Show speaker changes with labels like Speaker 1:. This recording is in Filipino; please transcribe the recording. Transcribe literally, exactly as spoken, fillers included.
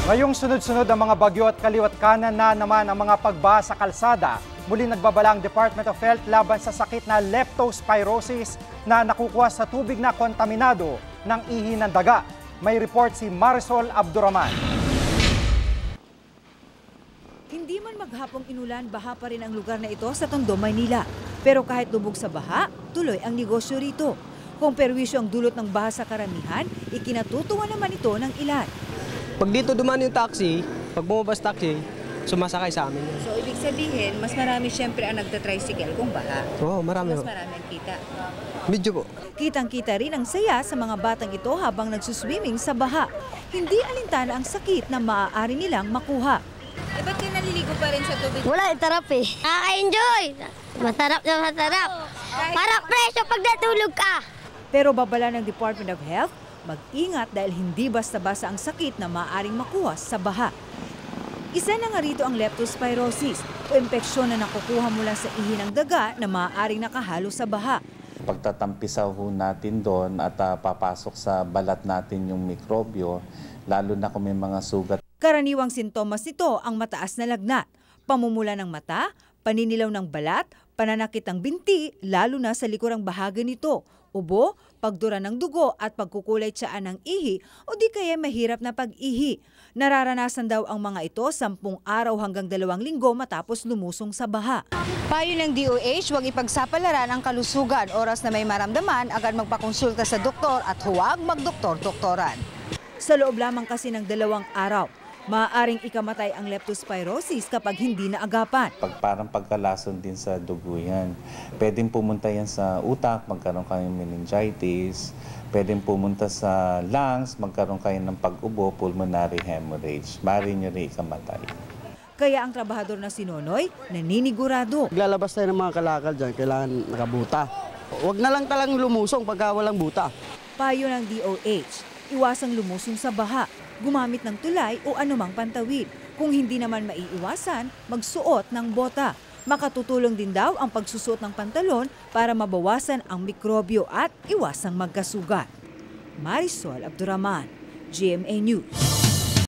Speaker 1: Ngayong sunod-sunod ang mga bagyo at kaliwat kanan na naman ang mga pagbaha sa kalsada, muli nagbabala ang Department of Health laban sa sakit na leptospirosis na nakukuha sa tubig na kontaminado ng ihi ng daga. May report si Marisol Abduraman.
Speaker 2: Hindi man maghapong inulan, baha pa rin ang lugar na ito sa Tondo, Maynila. Pero kahit lubog sa baha, tuloy ang negosyo rito. Kung perwisyo ang dulot ng baha sa karamihan, ikinatutuwa naman ito ng ilan.
Speaker 3: Pag dito dumaan yung taxi, pag bumabas taxi, sumasakay sa amin.
Speaker 4: So, ibig sabihin, mas marami siyempre ang nagtatricycle kung baha.
Speaker 3: Oo, oh, marami.
Speaker 4: Mas marami ang kita.
Speaker 3: Medyo po.
Speaker 2: Kitang-kita rin ang saya sa mga batang ito habang nagsuswimming sa baha. Hindi alintana ang sakit na maaari nilang makuha.
Speaker 4: Eh, ba't kayo naliligo pa rin sa tubig?
Speaker 5: Wala, tarap eh. Nakaka-enjoy. Masarap na masarap. Para presyo pag natulog ka.
Speaker 2: Pero babala ng Department of Health, mag-ingat dahil hindi basta-basta ang sakit na maaaring makuha sa baha. Isa na nga rito ang leptospirosis o impeksyon na nakukuha mula sa ihi ng daga na maaaring nakahalo sa baha.
Speaker 6: Pagtatampisaw ho natin doon at uh, papasok sa balat natin yung mikrobyo, lalo na kung may mga sugat.
Speaker 2: Karaniwang sintomas nito ang mataas na lagnat, pamumula ng mata, paninilaw ng balat, pananakit ng binti, lalo na sa likurang bahagi nito, ubo, pagdura ng dugo at pagkukulay tiyaan ng ihi o di kaya mahirap na pag-ihi. Nararanasan daw ang mga ito sampung araw hanggang dalawang linggo matapos lumusong sa baha. Payo ng D O H, huwag ipagsapalaran ang kalusugan. Oras na may maramdaman, agad magpakonsulta sa doktor at huwag magdoktor-doktoran. Sa loob lamang kasi ng dalawang araw, maaaring ikamatay ang leptospirosis kapag hindi naagapan.
Speaker 6: Pag parang pagkalason din sa dugo yan. Pwedeng pumunta yan sa utak, magkaroon kayo ng meningitis. Pwedeng pumunta sa lungs, magkaroon kayo ng pag-ubo, pulmonary hemorrhage. Maaari nyo rin ikamatay.
Speaker 2: Kaya ang trabahador na si Nonoy, naninigurado.
Speaker 7: Lalabas tayo ng mga kalakal dyan, kailangan nakabuta. Huwag na lang talang lumusong pagka walang buta.
Speaker 2: Payo ng D O H, iwasang lumusong sa baha, gumamit ng tulay o anumang pantawid. Kung hindi naman maiiwasan, magsuot ng bota. Makatutulong din daw ang pagsusuot ng pantalon para mabawasan ang mikrobyo at iwasang magkasugat. Marisol Abduraman, G M A News.